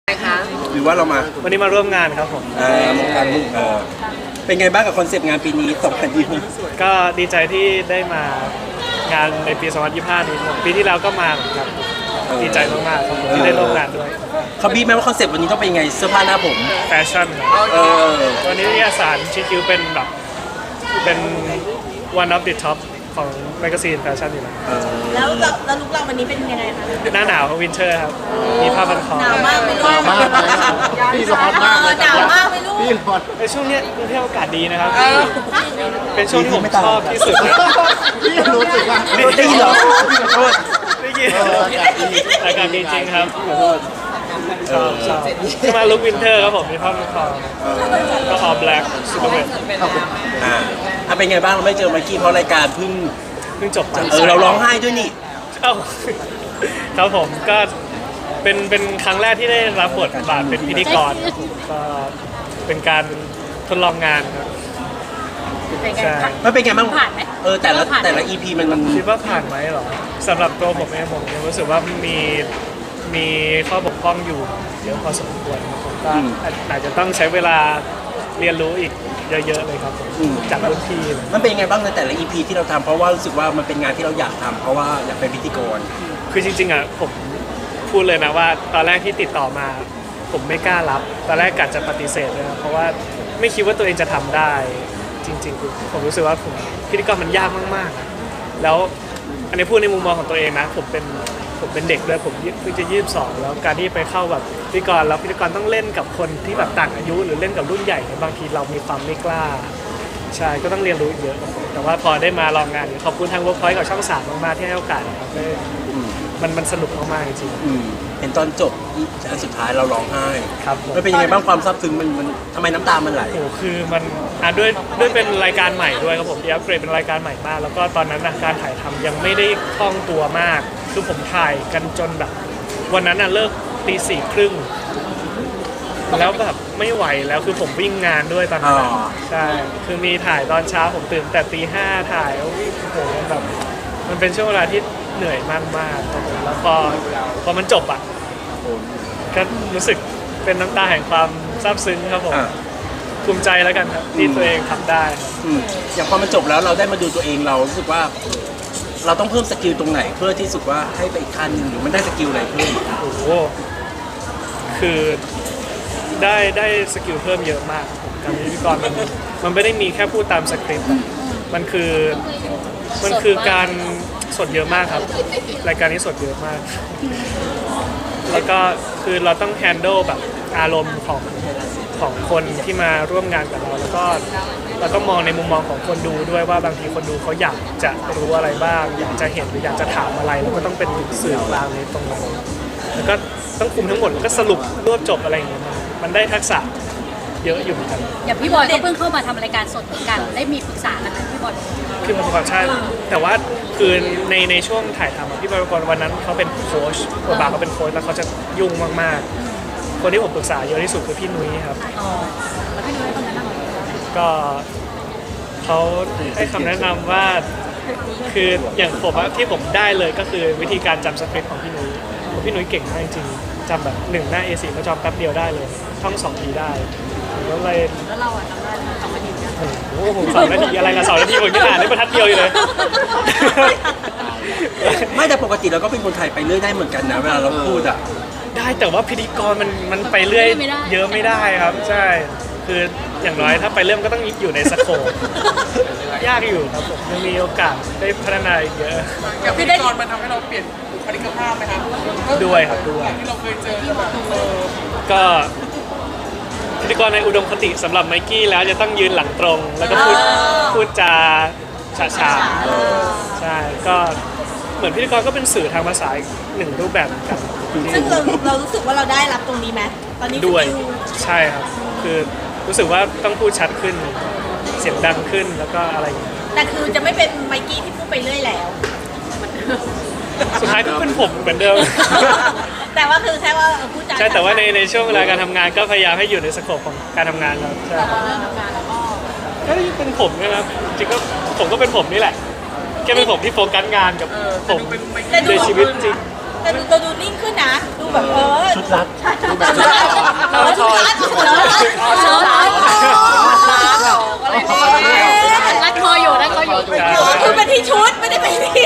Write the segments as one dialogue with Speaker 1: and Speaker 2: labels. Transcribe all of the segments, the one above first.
Speaker 1: คะ
Speaker 2: หรือว่าเรามา
Speaker 3: วันนี้มาร่วมงานครับผม
Speaker 2: มองการลูกเป็นไงบ้างกับคอนเซปต์งานปีนี้2025
Speaker 3: ก็ดีใจที่ได้มางานในปี 2025 นี้ผมปีที่แล้วก็มาเหมือนกันดีใจมากๆครับผมที่ได้ร่วมงานด้วย
Speaker 2: เขาบีบไหมว่าคอนเซปต์วันนี้ต้องเป็นยังไงเสื้อผ้าหน้าผม
Speaker 3: แฟชั่นวันนี้นิตยสารชิคิวเป็นแบบเป็น one of the top ของแมกกาซีนแฟชั่นอยู่แล้ว
Speaker 1: แล้วลุคเราวันนี้เป็นยังไงคะ
Speaker 3: หน้าหนาววินเทอร์ครับมีผ้าพันคอ
Speaker 1: หนาวมากไม่รู้หนาวมาก
Speaker 4: พี่ร้อนมากเลย
Speaker 1: หนาวมากไม่รู้
Speaker 4: พี่ร้อน
Speaker 3: ในช่วงนี้กรุงเทพอากาศดีนะครับเป็นช่วงที่ผมชอบที่สุดนะ
Speaker 4: พี่รู้สึกว่า
Speaker 2: ได้ยินเหรอ
Speaker 3: ได้ยินอากาศดีจริงครับชอบจะมาลุควินเทอร์ครับผมมีผ้าพันคอก็ออ black ซูเปอร์เวท
Speaker 2: เป็นไงบ้างเราไม่เจอไมค์กี้เพราะรายการเพิ่ง
Speaker 3: จบไป
Speaker 2: เราร้องไห้ด้วยนี่
Speaker 3: ครับผมก็เป็นครั้งแรกที่ได้รับบทบาทเป็นพิธีกรก็เป็นการทดลองงานครับ
Speaker 1: ใช่
Speaker 2: มันเป็นไงบ้าง
Speaker 1: ผ่านไหม
Speaker 2: แต่ละ EP มัน
Speaker 3: คิดว่าผ่านไหมหรอสำหรับตัวผมเองผมรู้สึกว่ามีข้อบกพร่องอยู่เยอะพอสมควรผมก็อาจจะต้องใช้เวลาเรียนรู้อีกเยอะๆเลยครับจากรุ่นพี่
Speaker 2: มันเป็นยังไงบ้างในแต่ละ EP ที่เราทำเพราะว่ารู้สึกว่ามันเป็นงานที่เราอยากทำเพราะว่าอยากเป็นพิธีกร
Speaker 3: คือจริงๆอ่ะผมพูดเลยนะว่าตอนแรกที่ติดต่อมาผมไม่กล้ารับตอนแรกกะจะปฏิเสธเลยนะเพราะว่าไม่คิดว่าตัวเองจะทำได้จริงๆผมรู้สึกว่าพิธีกรมันยากมากๆแล้วอันนี้พูดในมุมมองของตัวเองนะผมเป็นเด็กด้วยผมเพิ่งจะ22แล้วการที่ไปเข้าแบบพิธีกรแล้วพิธีกรต้องเล่นกับคนที่แบบต่างอายุหรือเล่นกับรุ่นใหญ่บางทีเรามีความไม่กล้าใช่ก็ต้องเรียนรู้เยอะแต่ว่าพอได้มาลองงานขอบคุณทาง Workpoint กับช่อง3มากๆที่ให้โอกาสครับมันสนุกมากๆจริง
Speaker 2: เห็นตอนจบอันสุดท้ายเราร้องไห้
Speaker 3: ครับ
Speaker 2: มันเป็นยังไงบ้างความซาบซึ้งมันทำไมน้ำตามันไหล
Speaker 3: โอ้คือมันด้วยเป็นรายการใหม่ด้วยครับผมที่อัปเกรดเป็นรายการใหม่มากแล้วก็ตอนนั้นการถ่ายทำยังไม่ได้คล่องตัวมากคือผมถ่ายกันจนแบบวันนั้นเลิกตี 4:30แล้วแบบไม่ไหวแล้วคือผมวิ่งงานด้วยตอนนั้นใช่คือมีถ่ายตอนเช้าผมตื่นแต่ตี 5ถ่ายโอ้โหแบบมันเป็นช่วงเวลาที่เหนื่อยมากๆครับผมแล้วพอมันจบก็รู้สึกเป็นน้ำตาแห่งความซาบซึ้งครับผมภูมิใจแล้วกันครับที่ตัวเองทำได้
Speaker 2: อย่างพอมันจบแล้วเราได้มาดูตัวเองเรารู้สึกว่าเราต้องเพิ่มสกิลตรงไหนเพื่อที่สุดว่าให้ไปอีกขั้นหนึ่งหรือมันได้สกิลอะไรเพิ่ม
Speaker 3: โอ้โหคือได้สกิลเพิ่มเยอะมากการเป็นพิธีกรมันไม่ได้มีแค่พูดตามสคริปต์มันคือการสดเยอะมากครับรายการนี้สดเยอะมากแล้วก็คือเราต้องแฮนด์ลแบบอารมณ์ของคนที่มาร่วมงานกับเราแล้วก็เราต้องมองในมุมมองของคนดูด้วยว่าบางทีคนดูเขาอยากจะรู้อะไรบ้างอยากจะเห็นหรืออยากจะถามอะไรแล้วก็ต้องเป็นสื่อกลางในตรงนั้นแล้วก็ต้องคุมทั้งหมดแล้วก็สรุปรวบจบอะไรอย่างเงี้ยมันได้ทักษะเยอะอยู่เหมือนกัน
Speaker 5: อย่างพี่บอยก็เพิ่งเข้ามาทำรายการสดเหมือนกันได้มีปรึกษากันไหมพี่บอย
Speaker 3: คือมันความใช่แต่ว่าคือในช่วงถ่ายทำพี่บอยก่อนวันนั้นเขาเป็นโค้ชบทบาทเขาเป็นโค้ชแล้วเขาจะยุ่งมากๆคนที่ผมปรึกษาเยอะที่สุดคือพี่นุ้ยครับ
Speaker 5: แล้วพี่นุ้ยคนนั้น
Speaker 3: ก็เขาให้คำแนะนำว่าคืออย่างผมที่ผมได้เลยก็คือวิธีการจำสคริปต์ของพี่นุ้ยเก่งมากจริงจำแบบ1 หน้า A4 เขาจำแป๊บเดียวได้เลยท่อง2 ทีได้
Speaker 5: แล้วเราจำได้2 นาทีนะ
Speaker 3: โอ้โหผม2 นาทีอะไรกัน2 นาทีผมยังอ่านได้บรรทัดเดียวเลย
Speaker 2: ไม่แต่ปกติเราก็เป็นคนไทยไปเรื่อยได้เหมือนกันนะเวลาเราพูด
Speaker 3: ได้แต่ว่าพิธีกรมันไปเรื่อยเยอะไม่ได้ครับใช่คืออย่างน้อยถ้าไปเริ่มก็ต้องอยู่ในสโคปยากอยู่ครับผมยังมีโอกาสได้พัฒนาอีกเยอะ
Speaker 6: กับพิธีกรมันทำให้เราเปลี่ยนบุคลิกภาพไหมครับ
Speaker 3: ด้วยครับด้วย
Speaker 6: ที่เราเคยเจอแบบ
Speaker 3: ก็พิธีกรในอุดมคติสำหรับไมกี้แล้วจะต้องยืนหลังตรงแล้วก็พูดจาฉาใช่ก็เหมือนพิธีกรก็เป็นสื่อทางภาษาหนึ่งรูปแบบเหมือนกัน
Speaker 1: ซึ่งเรารู้สึกว่าเราได้รับตรงนี้ไหมตอนนี้
Speaker 3: ด้วยใช่ครับคือรู้สึกว่าต้องพูดชัดขึ้นเสียงดังขึ้นแล้วก็อะไรอย่างเงี้ย
Speaker 1: แต่คือจะไม่เป็นไมกี้ที่พูดไปเรื่อยแล้ว
Speaker 3: สุดท้ายก็เป็นผมเหมือนเดิม
Speaker 1: แต่ว่าคือแค่ว่าพูดจา
Speaker 3: ใช่แต่ว่าในช่วงเวลาการทำงานก็พยายามให้อยู่ในสโคปของการทำงานเราใช่ก็เป็นผมนะครับจริงก็ผมก็เป็นผมนี่แหละแค่เป็นผมที่โฟกัสงานกับผมในชีวิตจริง
Speaker 1: แต่ดูนิ่งขึ้นนะดูแบบ
Speaker 2: ชุดรัด
Speaker 1: เราชุดรัด
Speaker 5: รัดคออยู่รัดคออยู่
Speaker 1: คือเป็นที่ชุดไม่ได้เป็นที่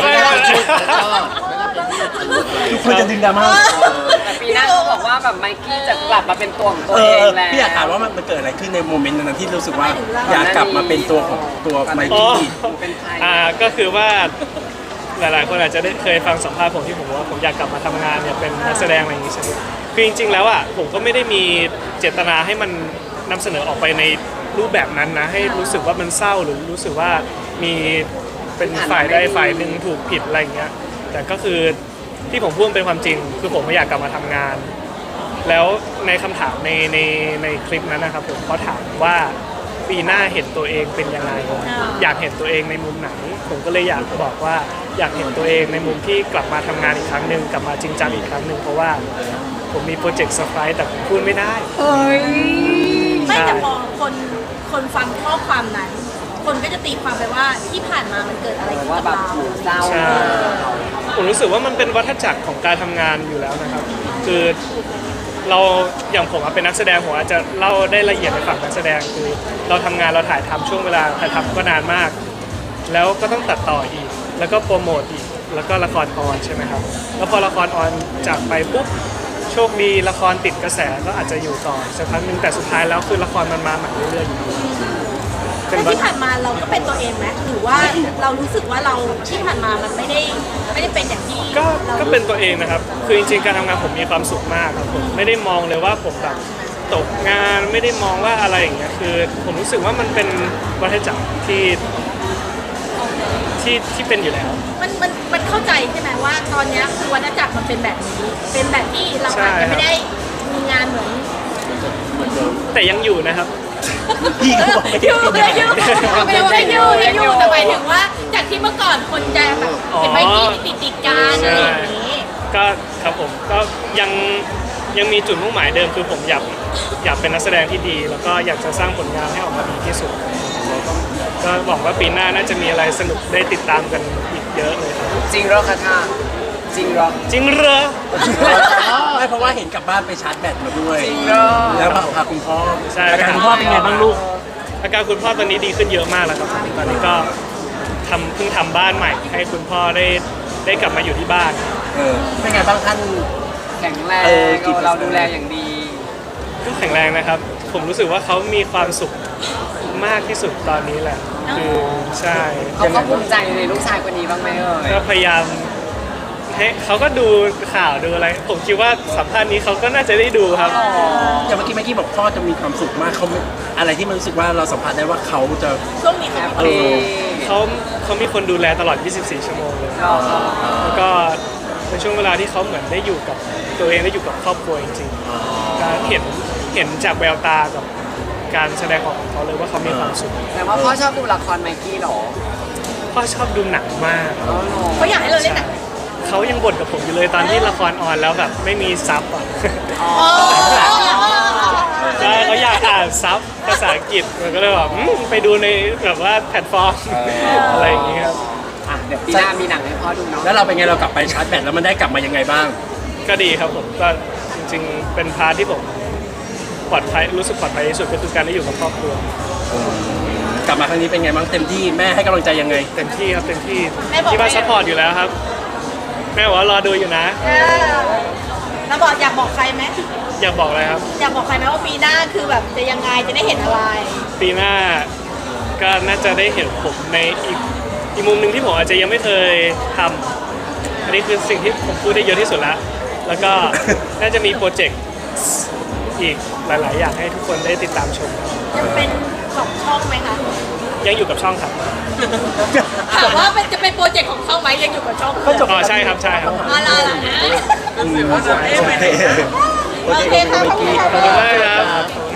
Speaker 2: ทุกคนจะดึงดราม่า
Speaker 7: แต่ปีหน้าเขาบอกว่าแบบไมกี้จะกลับมาเป็นตัวของตัว
Speaker 2: เอ
Speaker 7: เอ
Speaker 2: อง
Speaker 7: แล้ว
Speaker 2: พี่อยากถามว่ามันเกิดอะไรขึ้นในโมเมนต์นั้นที่รู้สึกว่าอยากกลับมาเป็นตัวของตัวไม
Speaker 3: อ๋อ
Speaker 2: กี้
Speaker 7: เป็นใคร
Speaker 3: ก็คือว่าหลายๆคนอาจจะได้เคยฟังสัมภาษณ์ผมที่ผมว่าผมอยากกลับมาทำงานอยากเป็นนักแสดงอะไรอย่างนี้ใช่ไหมคือจริงๆแล้วอ่ะผมก็ไม่ได้มีเจตนาให้มันนำเสนอออกไปในรูปแบบนั้นนะให้รู้สึกว่ามันเศร้าหรือรู้สึกว่ามีเป็นฝ่ายใดฝ่ายหนึ่งถูกผิดอะไรอย่างเงี้ยแต่ก็คือที่ผมพูดเป็นความจริงคือผมไม่อยากกลับมาทำงาน แล้วในคำถามในคลิปนั้นนะครับผมเขาถามว่าปีหน้าเห็นตัวเองเป็นยังไงอยากเห็นตัวเองในมุมไหนผมก็เลยอยากบอกว่าอยากเห็นตัวเองในมุมที่กลับมาทำงานอีกครั้งหนึ่งกลับมาจริงจังอีกครั้งหนึ่งเพราะว่าผมมีโปรเจกต์เซอร์ไพรส์แต่ผมพูดไม่ได้
Speaker 1: ไม่แต่พอคนฟังข้อความนั้น คนก็จะตีความไปว่าที่ผ่านมามันเกิดอะไรขึ้น
Speaker 7: ว่า
Speaker 1: กับ
Speaker 7: แบบ
Speaker 1: เรา
Speaker 7: หมูเศร้า
Speaker 3: ใช่ผมรู้สึกว่ามันเป็นวัฏจักรของการทำงานอยู่แล้วนะครับ คือเราอย่างผมเป็นนักแสดงผมอาจจะเล่าได้ละเอียดในฝั่งนักแสดงคือเราทำงานเราถ่ายทำช่วงเวลาถ่ายทำก็นานมาก แล้วก็ต้องตัดต่ออีก แล้วก็โปรโมทอีกแล้วก็ละครออนใช่ไหมครับแล้วพอละครออนจากไปปุ๊บโชคดีละครติดกระแสก็อาจจะอยู่ต่อสักพักหนึงแต่สุดท้ายแล้วคือละครมันมาใหม่เรื่อยๆอยู่ดี
Speaker 1: แต่ที่ผ่านมาเราก็เป็นตัวเองไหมหรือว่าเรารู้สึกว่าเราที่ผ่านมามันไม่ได้เป็นอย่างที่
Speaker 3: ก็เป็นตัวเองนะครับ คือจริงๆการทำงานผมมีความสุขมากครับผมไม่ได้มองเลยว่าผมแบบตกงานไม่ได้มองว่าอะไรอย่างเงี้ยคือผมรู้สึกว่ามันเป็นวัฏจักรที่เป็นอยู่แล้ว
Speaker 1: มันเข้าใจใช่ไหมว่าตอนเนี้ยคือวัฏจักรมันเป็นแบบนี้เป็นแบบที่เราอาจจะไม่ได้มีงานเหมือน
Speaker 3: แต่ยังอยู่นะครับ
Speaker 2: พี่ก็บอกไม่ได้
Speaker 1: อยู่
Speaker 2: เป็น
Speaker 1: ยังอยู่แต่หมายถึงว่าจากที่เมื่อก่อนคนจะแบบเป็นใบที่ติดกันอะไรอย่างนี้
Speaker 3: ก็ครับผมก็ยังมีจุดมุ่งหมายเดิมคือผมอยากเป็นนักแสดงที่ดี แล้วก็อยากจะสร้างผลงานให้ออกมาดีที่สุดก็หวังว่าปีหน้าน่าจะมีอะไรสนุกได้ติดตามกันอีกเยอะเลยครับ
Speaker 7: จริงเหรอคะท่าจริงเหรอ
Speaker 3: จริงเหรอ
Speaker 2: ไม่เพราะว่าเห็นกลับบ้านไปชาร์จแบตมาด้วย
Speaker 7: จริงเหรอ
Speaker 2: แล้วพาคุณพ่อ
Speaker 3: ใช่
Speaker 2: อาการคุณพ่อเป็นไงบ้างลูก
Speaker 3: อาการคุณพ่อตอนนี้ดีขึ้นเยอะมากแล้วครับตอนนี้ก็เพิ่งทำบ้านใหม่ให้คุณพ่อได้กลับมาอยู่ที่บ้าน
Speaker 2: เป็นไงบ้างท่าน
Speaker 7: แข็งแรง
Speaker 2: กี่เปอร์เซ็นต์
Speaker 7: เราดูแลอย่างดี
Speaker 3: ก็แข็งแรงนะครับ ผมรู้สึกว่าเขามีความสุขมากที่สุดตอนนี้แหละคือใช่
Speaker 7: เขาก็ภูมิใจในลูกชายคนนี้บ้างไหมเอ่ย
Speaker 3: ก็พยายามให้เขาก็ดูข่าวดูอะไร ผมคิดว่าสัมภาษณ์นี้เขาก็น่าจะได้ดูครับ
Speaker 2: อย่างเมื่อกี้บอกพ่อจะมีความสุขมากเขาไม่อะไรที่มันรู้สึกว่าเราสัมผัสได้ว่าเขาจะ
Speaker 1: ช่วงนี้
Speaker 7: แฮ
Speaker 1: เขา
Speaker 7: ปปี้
Speaker 3: เขามีคนดูแลตลอด 24 ชั่วโมงเลย แล้วก็เป็นช่วงเวลาที่เขาเหมือนได้อยู่กับตัวเองได้อยู่กับครอบครัวจริงๆก็เห็นจากแววตากับการแสดงออกของเขาเลยว่าเขามีความสุข
Speaker 7: แต่ว่าพ่อชอบดูละครไมกี้เหรอ
Speaker 3: พ่อชอบดูหนังมาก
Speaker 7: อ๋อเหรอ
Speaker 1: เขาอยากให้เราเล่นหนัง
Speaker 3: เขายังบ่นกับผมอยู่เลยตอนที่ละครออนแล้วแบบไม่มีซับอ่ะ ใช่เขาอยากอ่านซับภาษาอังกฤษมันก็เลยแบบไปดูในแบบว่าแพลตฟอร์มอะไรอย่างเงี้ยครับ
Speaker 7: อ่ะเดี๋ยวปีหน้ามีหนังให้พ่อดูเนาะ
Speaker 2: แล้วเราเป็นไงเรากลับไปชาร์จแบตแล้วมันได้กลับมายังไงบ้าง
Speaker 3: ก็ดีครับผมก็จริงๆเป็นพาร์ทที่ผมปลอดภัยรู้สึกปลอดภัยที่สุดก็คือการได้อยู่กับครอบครัว
Speaker 2: กลับมาครั้งนี้เป็นไงบ้างเต็มที่แม่ให้กำลังใจยังไง
Speaker 3: เต็มที่ครับเต็มที่ที่บ้านซัพพอร์ตอยู่แล้วครับ แม่บอกว่ารอดูอยู่นะ
Speaker 1: เราอยากบอกใครไหม
Speaker 3: อยากบอกอะไรครับ
Speaker 1: อยากบอกใครไหมว่าปีหน้าคือแบบจะยังไงจะได้เห็นอะไร
Speaker 3: ปีหน้าก็น่าจะได้เห็นผมในอีกมุมหนึ่งที่ผมอาจจะยังไม่เคยทำอันนี้คือสิ่งที่ผมพูดได้เยอะที่สุดแล้ว แล้วก็ น่าจะมีโปรเจกต์อีกหลายๆ อย่างให้ทุกคนได้ติดตามชมครับ
Speaker 1: ยังเป็นของช่องไหมคะ
Speaker 3: ยังอยู่กับช่องครับ
Speaker 1: ถามว่าจะเป็นโปรเจกต์ของช่องไหมยังอยู่กับช่อง
Speaker 3: อ๋อใช่ครับใช่ครับ
Speaker 1: อะไรนะ
Speaker 2: โอเค
Speaker 1: โอเคค่ะขอบคุณค่ะ
Speaker 3: ขอบคุณมากครับ